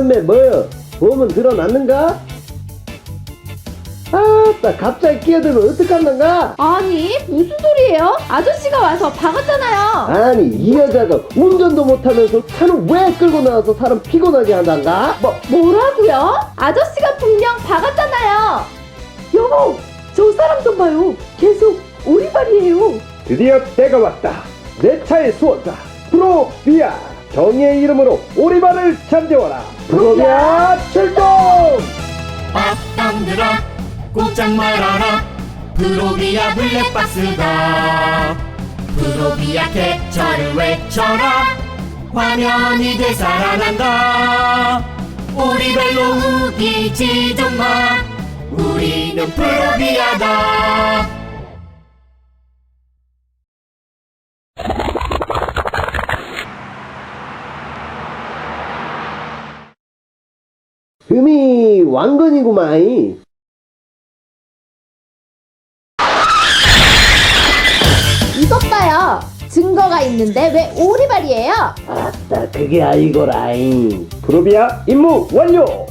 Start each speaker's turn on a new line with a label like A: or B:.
A: 남매 뭐여? 보험은 드러났는가? 아따 갑자기 끼어들면 어떡한단가?
B: 아니 무슨 소리예요? 아저씨가 와서 박았잖아요.
A: 아니 이 여자가 운전도 못하면서 차는 왜 끌고 나와서 사람 피곤하게 한단가?
B: 뭐라고요? 아저씨가 분명 박았잖아요. 여보, 저 사람 좀 봐요. 계속 오리발이에요.
A: 드디어 때가 왔다. 내 차의 수호자 프로비아, 정의의 이름으로 오리발을 잠재워라. 프로비아 출동!
C: 악당들아 꼼짝 말아라. 프로비아 블랙박스다. 프로비아 캡처를 외쳐라. 화면이 되살아난다. 오리발로 우기지 좀 마. 우리는 프로비아다.
A: 흠이 왕건이구마이.
B: 이것 봐요. 증거가 있는데 왜 오리발이에요?
A: 아따 그게 아니고라잉. 프로비아 임무 완료.